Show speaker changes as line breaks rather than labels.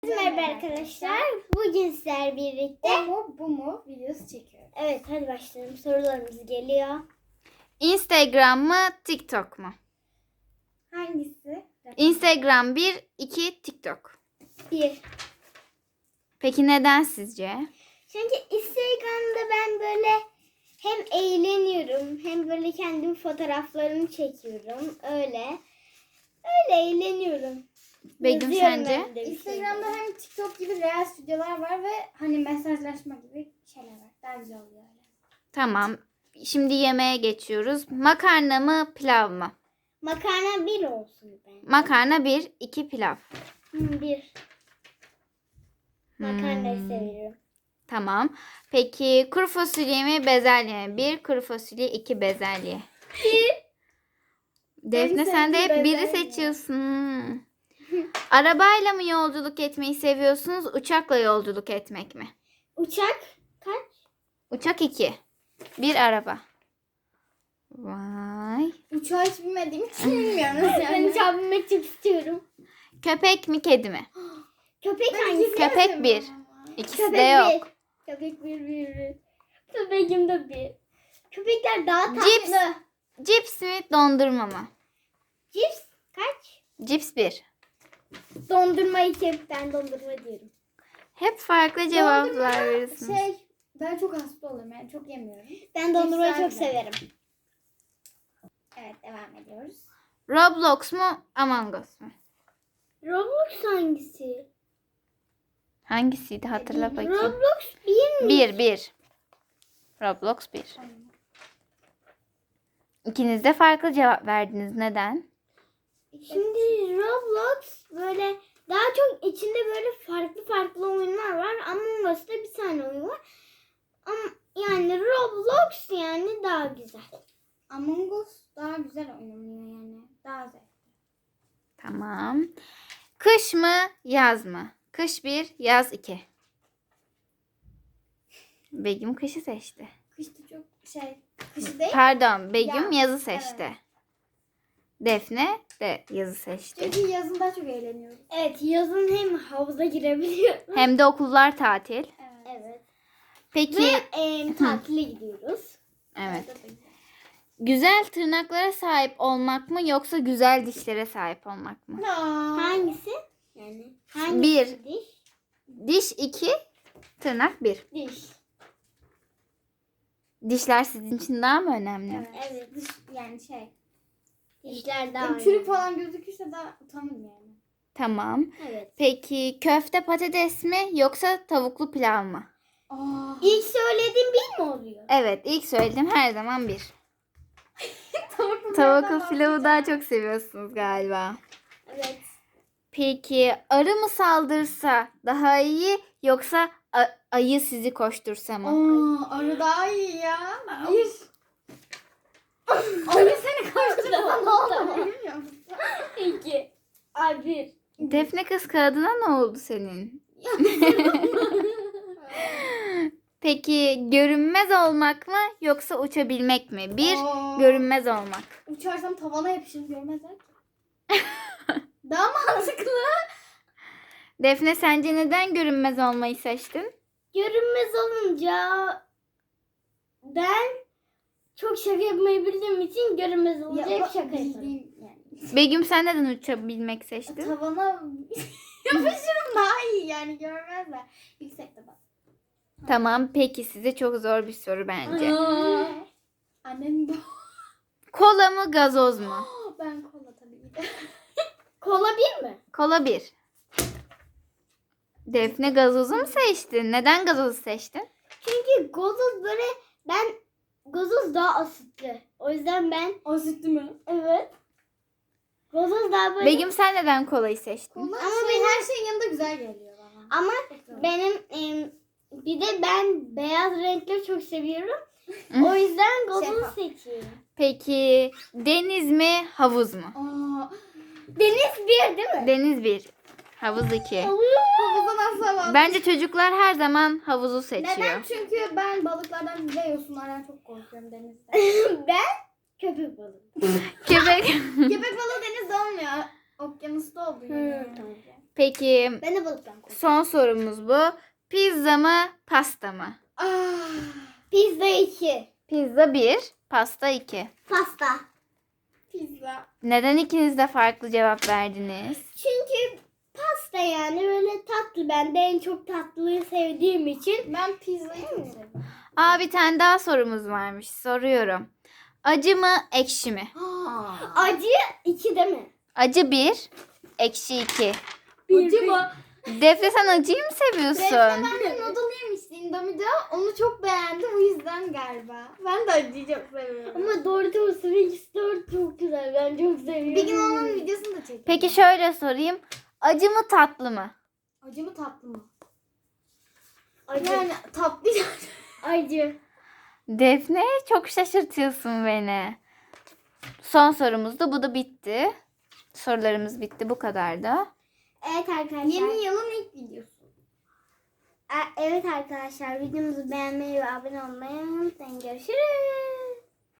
Merhaba arkadaşlar. Bugün sizlerle birlikte
Bu mu videosu çekiyoruz.
evet, hadi başlayalım. Sorularımız geliyor.
Instagram mı, TikTok mu?
Hangisi?
Instagram 1, 2 TikTok.
1.
Peki neden sizce?
Çünkü Instagram'da ben böyle hem eğleniyorum hem böyle kendim fotoğraflarımı çekiyorum. Öyle eğleniyorum.
Begüm
Yazıyorum
sence?
ben de bir
Instagram'da
şeyler.
hem TikTok gibi Reels videolar var ve hani mesajlaşma gibi şeyler var. Daha güzel oluyor öyle.
Tamam. Şimdi yemeğe geçiyoruz. Makarna mı, pilav mı?
Makarna 1 olsun ben.
Makarna 1, 2 pilav.
1. Makarnayı seviyorum.
Tamam. Peki kuru fasulye mi, bezelye mi? 1 kuru fasulye, 2 bezelye. Defne sen de hep biri
bezelye.
seçiyorsun. Arabayla mı yolculuk etmeyi seviyorsunuz, uçakla yolculuk etmek mi?
Uçak kaç?
Uçak 2. 1 araba. Vay.
Uçağı hiç bilmediğim için bilmiyorum.
Ben
Yani.
uçağa binmek çok istiyorum.
Köpek mi, kedi mi?
Köpek
Ben
hangisi?
ikisini de
Köpek
seviyorum
1.
ama.
İkisi
Köpek
de yok.
1. Köpek 1. Köpeğim de 1. Köpekler daha tatlı.
Cips. Cips mi, dondurma mı?
Cips kaç?
Cips 1.
Dondurma 2. Ben dondurma diyorum.
Hep farklı cevaplar
Dondurma
veriyorsunuz.
Ben çok hasta oluyorum yani çok yemiyorum.
Ben dondurmayı
Cipsler
çok
de.
severim.
Evet devam ediyoruz.
Roblox mu, Among Us mu?
Roblox hangisi?
Hangisiydi hatırla bakayım.
Roblox 1 mi?
1. Roblox 1. İkiniz de farklı cevap verdiniz. Neden?
Şimdi Roblox böyle daha çok içinde böyle farklı oyunlar var. Among Us'ta bir tane oyun var. Ama yani Roblox yani daha güzel.
Among Us daha güzel oynanıyor yani. Daha zevkli.
Tamam. Kış mı, yaz mı? Kış 1, yaz 2. Begüm kışı seçti.
Kışta çok kışı değil.
Pardon, Begüm
Yaz,
yazı seçti.
evet.
Defne de yazı seçti.
Çünkü yazın daha çok eğleniyoruz.
Evet, yazın hem havuza girebiliyoruz.
Hem de okullar tatil.
Evet.
Evet.
Peki,
Ve tatile gidiyoruz.
evet.
Orada da güzel.
Güzel tırnaklara sahip olmak mı yoksa güzel dişlere sahip olmak mı?
Hangisi? Yani hangisi?
1.
Diş.
Diş 2, tırnak 1.
Diş.
Dişler sizin için daha mı önemli?
Evet.
Evet.
Yani
Dişler daha
çürük
önemli.
falan gözükürse daha utanırım yani.
Tamam.
Evet.
Peki köfte patates mi yoksa tavuklu pilav mı?
İlk söylediğim bir mi oluyor?
Evet, ilk söylediğim her zaman 1.
Tavuklu
Tavuklu pilavı daha çok seviyorsunuz galiba.
Evet.
Peki arı mı saldırsa daha iyi yoksa ayı sizi koştursa mı?
Arı daha iyi ya. Bir. Arı seni karşılarsa ne olur bilmiyor musun?
2. Ay 1.
Defne kız kağıdına ne oldu senin? Peki görünmez olmak mı yoksa uçabilmek mi? 1. Görünmez olmak.
Uçarsam tavana yapışırım görmezler ki. Daha mantıklı.
Defne sence neden görünmez olmayı seçtin?
Görünmez olunca ben çok şaka yapmayı bildiğim için görünmez olunca hep şaka yaparım.
bildiğim yani.
Begüm sen neden uçabilmek seçtin?
Tavana yapışırım daha iyi yani görmezler. Yüksekte bak.
Tamam, peki size çok zor bir soru bence.
Annem bu.
Kola mı gazoz mu?
Ben kola tabii ki de.
Kola 1 mi?
Kola 1. Defne gazozu mu seçtin? Neden gazozu seçtin?
Çünkü gazoz böyle gazoz daha asitli. O yüzden ben
O sütlü mü?
evet. Gazoz daha böyle
Begüm sen neden kolayı seçtin?
Kola
Ama
her şeyin yanında güzel geliyor bana.
ama
Çok güzel.
benim bir de ben beyaz renkleri çok seviyorum. O yüzden gazozu
Şeffaf.
seçiyorum.
Peki deniz mi havuz mu?
Deniz 1 değil mi?
Deniz 1. Havuz 2.
Havuzdan asla vazgeçmem.
Bence çocuklar her zaman havuzu seçiyor.
Neden? Çünkü ben balıklardan ve yosunlardan çok korkuyorum denizde.
Ben köpek balığı.
Köpek.
Köpek balığı denizde olmuyor. Okyanusta oldu
Hı,
yani.
tamam.
Peki
Ben de balıktan korkuyorum.
son sorumuz bu. Pizza mı, pasta mı?
Pizza 2.
Pizza 1, pasta 2.
Pasta.
Pizza.
Neden ikiniz de farklı cevap verdiniz?
Çünkü pasta yani böyle tatlı. Ben de en çok tatlıyı sevdiğim için.
Ben pizzayı çok seviyorum.
Aa, bir tane daha sorumuz varmış. Soruyorum. Acı mı, ekşi mi?
Acı 2 değil mi?
Acı 1, ekşi 2.
Acı mı?
Defne, sen acıyı mı seviyorsun?
Ben de noodle yemiştim Indomie'de. Onu çok beğendim. O yüzden galiba. Ben de acıyı çok seviyorum.
Ama Doritos Wings 4 çok güzel. Ben çok seviyorum.
Bir gün onun videosunu da çekeyim.
Peki şöyle sorayım. Acı mı, tatlı mı?
Acı mı tatlı mı?
Acı.
Yani tatlı.
Acı.
Defne, çok şaşırtıyorsun beni. Son sorumuz da bu da bitti. Sorularımız bitti, bu kadar da.
Evet arkadaşlar.
Yeni yılın ilk videosu.
Evet arkadaşlar videomuzu beğenmeyi ve abone olmayı unutmayın. Görüşürüz.